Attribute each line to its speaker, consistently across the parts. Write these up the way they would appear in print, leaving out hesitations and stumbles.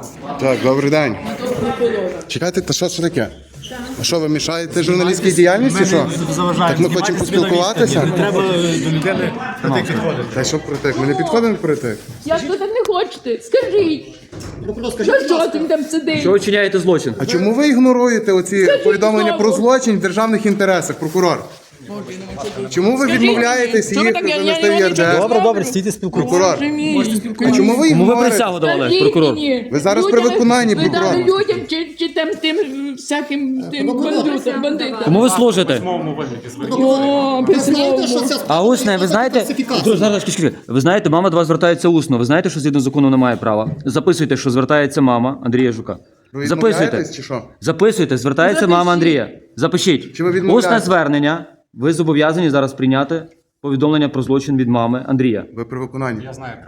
Speaker 1: Так, добрий день. Чекайте, та що це таке? А що, ви мішаєте журналістській діяльності? Що? Так ми хочемо поспілкуватися?
Speaker 2: Треба до людини притик підходити.
Speaker 1: Та що притик? Ми не підходимо притик.
Speaker 3: Як ви так не хочете? Скажіть. Що ти там сидиш?
Speaker 4: Що ви чиняєте злочин?
Speaker 1: А чому ви ігноруєте оці повідомлення про злочин в державних інтересах, прокурор? Чому ви відмовляєтесь
Speaker 3: Що ви
Speaker 1: їх
Speaker 3: так, я
Speaker 1: занести в
Speaker 3: нічого
Speaker 1: ЄРДР?
Speaker 2: Добре, добре, стійте спілкуйтесь.
Speaker 1: Прокурор, а чому ви
Speaker 4: Кому ви
Speaker 1: ігноруєте?
Speaker 4: присягу давали,
Speaker 3: Скажіть
Speaker 4: прокурор?
Speaker 3: мені,
Speaker 1: Ви зараз при
Speaker 3: людям-
Speaker 1: виконанні,
Speaker 3: Ви
Speaker 1: прокурор.
Speaker 3: дали людям чи тим всяким тим бандитам?
Speaker 4: Кому ви служите?
Speaker 3: О, письмово.
Speaker 4: А усне, ви знаєте? Зараз, ви знаєте, мама до вас звертається усно. Ви знаєте, що згідно закону немає права? Записуйте, що звертається мама Андрія Жука.
Speaker 1: Ви
Speaker 4: Записуйте.
Speaker 1: відмовляєтесь чи що?
Speaker 4: Записуйте, звертається мама Андрія. Запишіть.
Speaker 1: Чи ви відмовляєтесь?
Speaker 4: Усне звернення. Ви зобов'язані зараз прийняти повідомлення про злочин від мами Андрія.
Speaker 1: Ви при виконанні.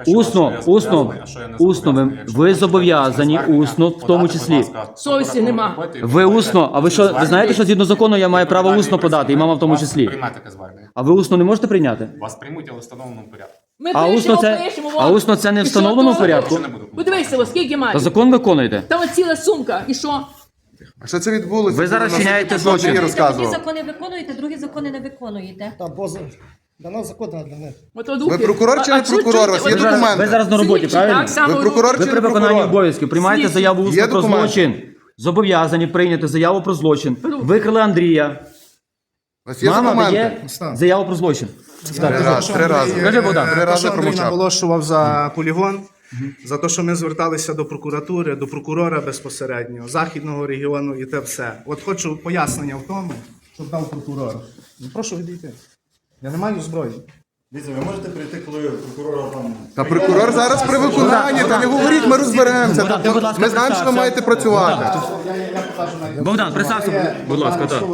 Speaker 4: Усно, ви зобов'язані усно, в тому числі.
Speaker 3: Совісті нема.
Speaker 4: Ви усно, а ви що, ви знаєте, що згідно закону я маю право усно подати, і мама в тому числі.
Speaker 5: Приймати таке звернення.
Speaker 4: А ви усно не можете прийняти?
Speaker 5: Вас приймуть, але в встановленому порядку.
Speaker 3: Ми
Speaker 4: А усно це не в встановленому порядку?
Speaker 3: Подивися, скільки
Speaker 4: Та
Speaker 3: має.
Speaker 4: закон виконуєте.
Speaker 3: Там от ціла сумка. І що?
Speaker 1: А що це відбулося?
Speaker 4: Ви зараз
Speaker 1: Нас
Speaker 4: чиняєте
Speaker 1: тут
Speaker 4: злочин.
Speaker 1: Андрій
Speaker 6: Одні
Speaker 1: розказував.
Speaker 6: закони виконуєте, другі закони не виконуєте.
Speaker 2: Та поза. Для нас закон, а для них.
Speaker 1: Ви прокурор чи не прокурор? У вас є
Speaker 4: Ви зараз,
Speaker 1: документи?
Speaker 4: ви зараз на роботі, правильно?
Speaker 1: Ви прокурор
Speaker 4: Ви
Speaker 1: чи
Speaker 4: при
Speaker 1: не
Speaker 4: виконанні
Speaker 1: прокурор?
Speaker 4: обов'язків приймаєте
Speaker 3: Слідчий.
Speaker 4: заяву
Speaker 1: Є
Speaker 4: усно про
Speaker 1: документи?
Speaker 4: злочин. Зобов'язані прийняти заяву про злочин. Викрили Андрія.
Speaker 1: У вас є
Speaker 4: Мама
Speaker 1: документи?
Speaker 4: дає заяву про злочин.
Speaker 1: Три рази.
Speaker 4: Скажи, Богдан.
Speaker 1: Три рази
Speaker 2: Андрій
Speaker 1: промовчав.
Speaker 2: наголошував за полігон, за те, що ми зверталися до прокуратури, до прокурора безпосередньо, Західного регіону і те все. От хочу пояснення в тому, щоб дав прокурор. Ну, прошу відійти. Я не маю зброї.
Speaker 7: Дивіться, ви можете прийти, коли прокурора там...
Speaker 1: Та прокурор зараз при виконанні, та не говоріть, ми розберемося.
Speaker 4: Богдан, ти, будь ласка,
Speaker 1: Ми знаємо, що ви
Speaker 4: представся.
Speaker 1: маєте працювати.
Speaker 2: Я покажу навіть.
Speaker 4: Богдан, представся, будь ласка, так.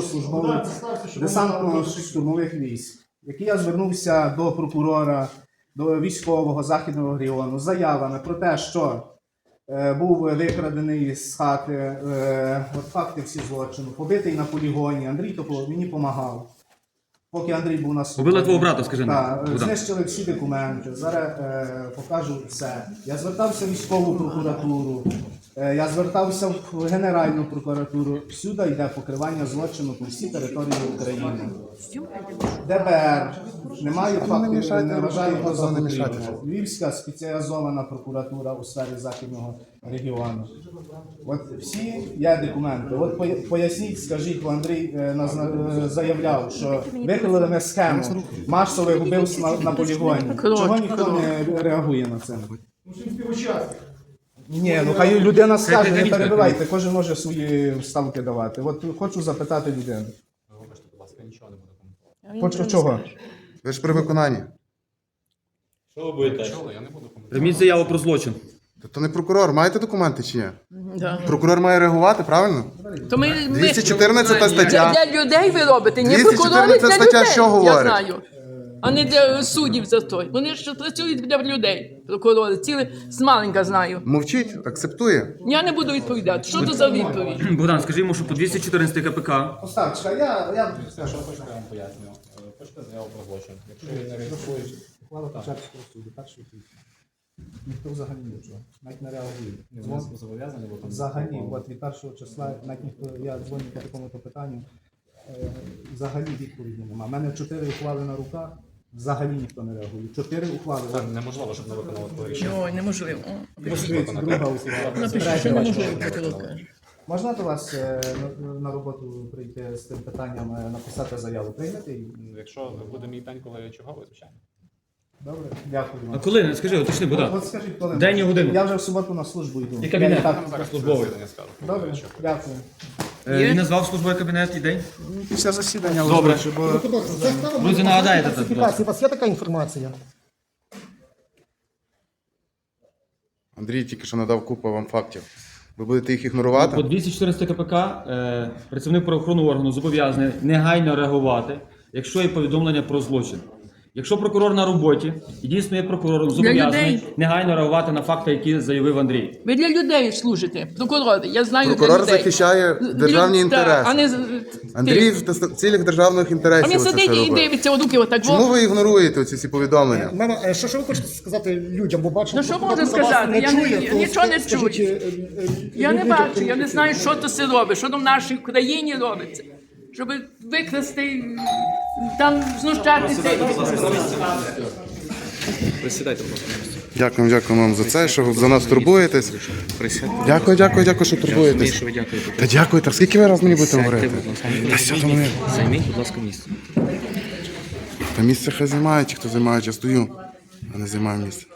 Speaker 2: Десантно-штурмових військ, який я звернувся до прокурора, до військового Західного регіону з заявами про те, що був викрадений з хати, от факти всі злочину, побитий на полігоні. Андрій Тополов мені допомагав. Поки Андрій був на суді.
Speaker 4: Убили твого брата, скажи нам,
Speaker 2: Так,
Speaker 4: Богдан.
Speaker 2: знищили всі документи. Зараз покажу все. Я звертався в військову прокуратуру, я звертався в Генеральну прокуратуру. Всюди йде покривання злочину по всій території України. ДБР. Немає фактів, не вважаю його за потрібне. Львівська спеціалізована прокуратура у сфері Західного регіону. От всі є документи. От поясніть, скажіть, бо Андрій заявляв, що викрили ми схему масових вбивств на полігоні. Чого ніхто не реагує на це? Ні, ну хай людина скаже, не перебивайте, кожен може свої вставки давати. От хочу запитати людину.
Speaker 5: Вибачте, будь ласка, нічого не буду коментувати.
Speaker 2: Чого?
Speaker 1: Ви ж при виконанні.
Speaker 5: Чули, я не буду коментувати.
Speaker 4: Прийміть заяву про злочин.
Speaker 1: Тобто не прокурор, маєте документи чи ні?
Speaker 3: Да.
Speaker 1: Прокурор має реагувати, правильно?
Speaker 3: То ми
Speaker 1: 214 стаття.
Speaker 3: для людей ви робите, не
Speaker 1: 214
Speaker 3: прокурори для
Speaker 1: стаття
Speaker 3: людей,
Speaker 1: що
Speaker 3: я
Speaker 1: говорить?
Speaker 3: знаю. А не для суддів за той. Вони ж працюють для людей, прокурори. Ціле змаленька знаю.
Speaker 1: Мовчить, акцептує.
Speaker 3: Я не буду відповідати. Що це за відповідь?
Speaker 4: Богдан, скажи йому, що по 214 КПК
Speaker 2: Остап, чекай, я
Speaker 5: Все, що хочете, я вам поясню. Хочете заяву про злочин. Якщо ви не реєструєте,
Speaker 2: ухвала Печерського суду, перший квітня. Ніхто взагалі нічого, навіть не реагує.
Speaker 5: ви зобов'язані, бо там...
Speaker 2: Взагалі, от від першого числа, навіть ніхто, я дзвоню по такому-то питанню, взагалі відповіді немає. У мене 4 ухвали на руках, взагалі ніхто не реагує. 4 ухвали.
Speaker 5: Це неможливо, щоб не виконали твоє рішення.
Speaker 3: Ой, неможливо.
Speaker 2: Друга ухвала.
Speaker 3: Напиши, що неможливо, прокурор каже.
Speaker 2: Можна до вас на роботу прийти з тим питанням, написати заяву? Приймете її?
Speaker 5: Якщо буде мій день, коли я черговий, звичайно.
Speaker 2: Добре, дякую
Speaker 4: А
Speaker 2: вам.
Speaker 4: коли? Скажи, уточни, Богдан.
Speaker 2: От скажіть, коли?
Speaker 4: День і годину.
Speaker 2: Я вже в суботу на службу йду.
Speaker 4: І кабінет.
Speaker 2: Я і так-
Speaker 5: Там зараз
Speaker 4: службовий.
Speaker 5: засідання скажу.
Speaker 2: Добре, дякую.
Speaker 4: Він назвав службовий кабінет і день?
Speaker 2: Після засідання
Speaker 4: Добре.
Speaker 2: озвучу, бо
Speaker 4: Друзі, нагадаєте це, будь ласка.
Speaker 8: У вас є така інформація?
Speaker 1: Андрій тільки що надав купу вам фактів. Ви будете їх
Speaker 4: По
Speaker 1: ігнорувати?
Speaker 4: 214 КПК працівник правоохоронного органу зобов'язаний негайно реагувати, якщо є повідомлення про злочин. Якщо прокурор на роботі і дійсно є прокурором, зобов'язаний
Speaker 3: людей.
Speaker 4: негайно реагувати на факти, які заявив Андрій.
Speaker 3: Ви для людей служите, прокурори. Я знаю для
Speaker 1: Прокурор
Speaker 3: людей.
Speaker 1: захищає державні
Speaker 3: Так,
Speaker 1: інтереси.
Speaker 3: а не
Speaker 1: Андрій в цілях державних
Speaker 3: А
Speaker 1: інтересів
Speaker 3: він
Speaker 1: це
Speaker 3: сидить
Speaker 1: все
Speaker 3: і
Speaker 1: робить.
Speaker 3: дивиться у руки отак.
Speaker 1: Чому ви ігноруєте ці всі повідомлення?
Speaker 8: Мама, що ви хочете сказати людям, бо бачу,
Speaker 3: Ну, що
Speaker 8: хто
Speaker 3: можу
Speaker 8: вас
Speaker 3: сказати?
Speaker 8: не
Speaker 3: Я
Speaker 8: чує,
Speaker 3: не-
Speaker 8: то
Speaker 3: нічого не
Speaker 8: скажіть,
Speaker 3: чую. Я не
Speaker 8: людям,
Speaker 3: бачу, я не знаю, що то все робить, що там в нашій країні робиться. Щоб викрасти, там знущатися.
Speaker 1: Дякую вам за це, що за нас турбуєтесь. Дякую, що турбуєтесь. Та дякую, так скільки ви раз мені будете говорити? Та що там вони?
Speaker 4: Займіть, будь ласка, місце.
Speaker 1: Та місце хай займають, ті, хто займає, я стою, а не займаю місце.